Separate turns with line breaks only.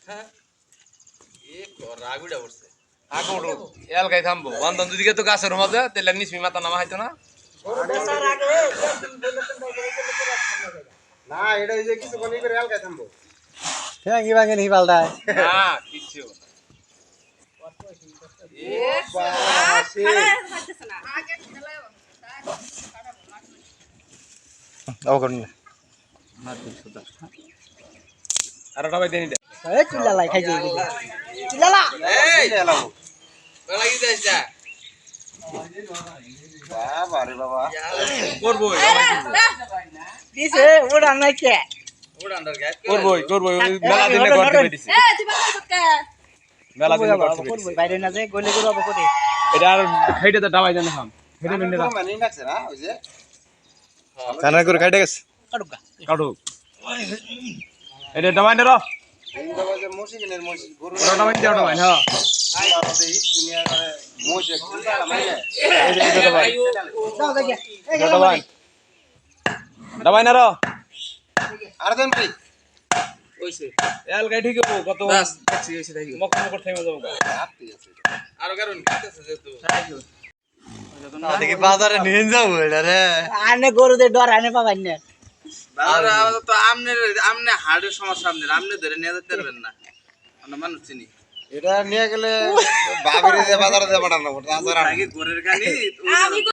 হ্যাঁ এ রাগুড়া পড়ছে
আগুড় এলকাই থামবো বন্ধন যদি তো গাছের মাঝে তেলে নিসমি মাথা নামা হইতো না
না এটা এই যে কিছু কোনি করে এলকাই থামবো
হ্যাঁ কি ভাঙে নি পাল্টায়
না কিচ্ছু
এ
বাসি
ও করুন না
আর ওটা ভাই দেনি দে
এই চিল্লালাই খাইছে চিল্লালা
এই
এলাম
বেলা কি যাইছা
বাবা রে বাবা
করবো
দিছে ওড়া নাই কে
উড়ান্ডার গায়
করবো মেলা দিনে করতে পেরেছি মেলা দিনে করতে
করব
পেরেছি
বাইরে না যে গলে করব কোতে
এটা আর খাইতে তো দাবাই জানে খাম হেডে মিন্ডে না
মানে নাকছে না ওই যে
কানা করে খাইতে গেছে কাটুকা
কাটু এটা দাবাই নে র
এই বাবা যে মসজিদের মসজিদ গরু
ওটা দাবাই দে ওটা ভাই হ্যাঁ
আমাদের এই দুনিয়ার মসজিদ খুলতা মানে
এটা দাবাই
দাও দেখে
এটা দাবাই দাবাই না র
আর দেন কি
কইছে
এল গাই ঠিক হবো কত
বাস দেখছি হইছে তাই
মক মক থেমে যাবো
আপনি আছে
আর কারণ কিতেছে যে তো
দেখি বাজারে নিয়ে যাবো এটা রে আনে গরুদের ডর আনে পাবাই না
বাবা তো আমনে হাড়ের সমস্যা আমনে ধরে নিয়ে যেতে পারবেন না আমরা মানুষ চিনি
এটা নিয়ে গেলে বাবিরে যে বাজারে যে পাঠানো ওটা
আগে ঘরের গানি